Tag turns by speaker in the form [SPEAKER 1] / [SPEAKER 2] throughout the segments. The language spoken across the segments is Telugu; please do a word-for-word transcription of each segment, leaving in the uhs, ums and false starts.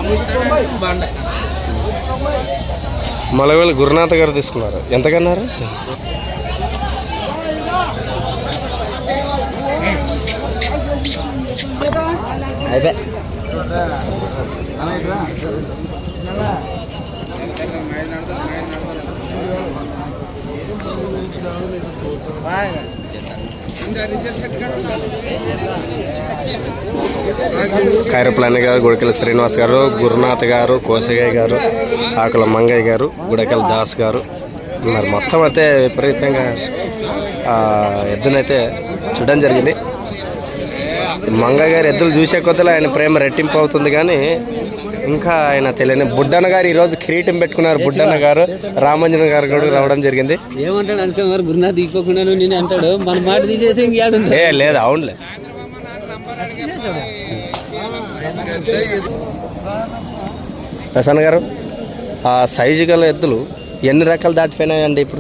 [SPEAKER 1] మలవేలు గురునాథ్ గారు తీసుకున్నారు. ఎంతకన్నారు? అయితే ఖైరప్లాని గారు, గుడకల శ్రీనివాస్ గారు, గురునాథ్ గారు, కోసయ్య గారు, ఆకుల మంగయ్య గారు, గుడకల దాస్ గారు మరి మొత్తం అయితే విపరీతంగా ఎద్దునైతే చూడడం జరిగింది. మంగయ్య గారు ఎద్దులు చూసే కొద్దీ ఆయన ప్రేమ రెట్టింపు అవుతుంది. కానీ ఇంకా ఆయన తెలియని బుడ్డన్న గారు ఈరోజు కిరీటం పెట్టుకున్నారు. బుడ్డన్న గారు రామంజన గారు కూడా రావడం జరిగింది.
[SPEAKER 2] ఏమంటాడు అనుకున్నారు గురునాథ్ తీసుకోకుండా నేను అంటాడు మన మాట తీసేసి ఇంకేడు
[SPEAKER 1] ఏ లేదు. అవునులే ప్రసన్న గారు, ఆ సైజు గల ఎద్దులు ఎన్ని రకాలు దాటిపోయినాయండి ఇప్పుడు?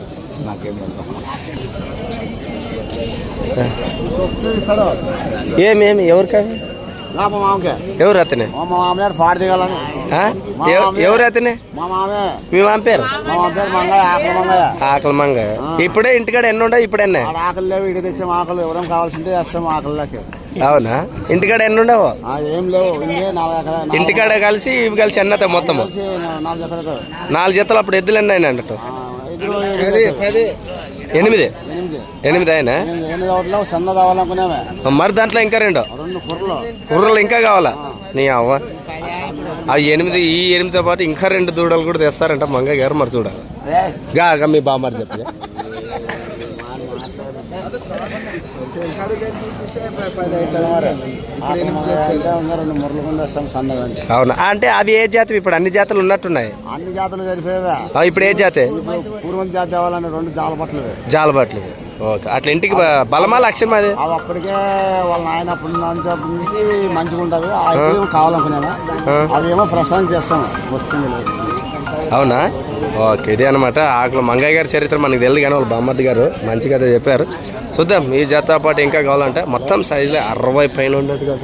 [SPEAKER 1] ఏమేమి ఎవరికవి? ఎవరు అతనే? ఎవరు అతనే? మీ మామ పేరు ఆకలి మంగయ్య. ఇప్పుడే ఇంటికాడ ఎన్ని ఉండవు? ఇప్పుడు ఎన్ని?
[SPEAKER 3] ఆకలి లేవు. ఇక తెచ్చాం ఆకలి ఎవరైనా కావాల్సింటే వేస్తాం ఆకలికి.
[SPEAKER 1] అవునా? ఇంటికాడ ఎన్ని ఉండవు?
[SPEAKER 3] ఏం లేవు.
[SPEAKER 1] ఇంటికాడ కలిసి ఇవి కలిసి ఎన్నత మొత్తం నాలుగు జతలు. అప్పుడు ఎద్దులు ఎన్ని అయినా అన్నట్టు? ఎనిమిది ఎనిమిది అయినా? మరి దాంట్లో ఇంకా రెండు కుర్రలు ఇంకా కావాలా? నీ అవ్వ అవి ఎనిమిది. ఈ ఎనిమిదితో పాటు ఇంకా రెండు దూడలు కూడా తెస్తారంట మంగయ్య గారు. మరి చూడాలి గా మీ బామ్మారు చెప్పి. అవునా? అంటే అవి ఏ జాతి? ఇప్పుడు అన్ని జాతులు ఉన్నట్టున్నాయి.
[SPEAKER 3] అన్ని జాతులు సరిపోయేవా?
[SPEAKER 1] ఇప్పుడు ఏ జాతి?
[SPEAKER 3] పూర్వం జాతి కావాలని రెండు జాలబట్లు.
[SPEAKER 1] జాలబట్లు. ఓకే. అట్లా ఇంటికి బలమా లక్ష్యం? అది
[SPEAKER 3] అవి అప్పటికే వాళ్ళ నాయన అప్పటి నుంచి మంచిగా ఉంటుంది. అవి కావాలనుకునేవా? అవి ఏమో ప్రసాదం చేస్తాము బతుకుంది.
[SPEAKER 1] అవునా? ఓకే. ఇదే అనమాట ఆకుల మంగయ్య గారి చరిత్ర మనకు తెలియదు. కానీ వాళ్ళ బామ్మర్ది గారు మంచిగా అయితే చెప్పారు. చూద్దాం ఈ జాతర పాటు ఇంకా కావాలంటే మొత్తం సైజులో అరవై పైన ఉండేది కాదు.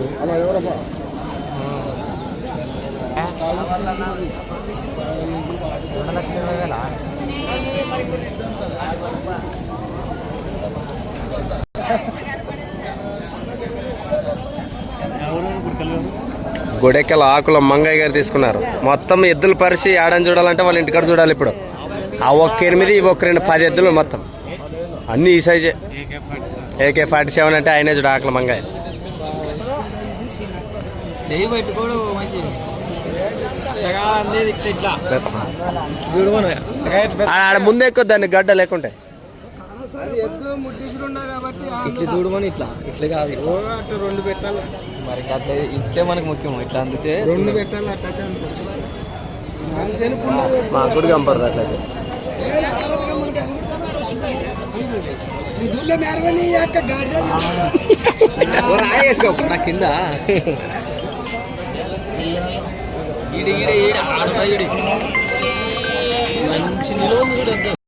[SPEAKER 1] గుడెక్కల ఆకుల మంగయ్య గారు తీసుకున్నారు. మొత్తం ఎద్దులు పరిచి ఆడని చూడాలంటే వాళ్ళ ఇంటికాడ చూడాలి. ఇప్పుడు ఆ ఒక్క ఎనిమిది ఇవి ఒక రెండు పది ఎద్దులు మొత్తం అన్ని ఈ సైజే. ఏకే ఫార్టీ సెవెన్ అంటే ఆయనే చూడ ఆకుల మంగయ్య. ఆడ ముందే ఎక్కువ దాన్ని గడ్డ లేకుంటే
[SPEAKER 2] ఇట్లా చూడమని ఇట్లా ఇట్లా కాదు రెండు పెట్టాలి. మరి అట్లా ఇట్లే మనకు ముఖ్యం. ఇట్లా అందుకే రెండు పెట్టాలి.
[SPEAKER 1] మాకు కూడా కంపడదు అట్లయితే.
[SPEAKER 2] రాయేసుకో నా కింద మంచి నిలువ చూడండి.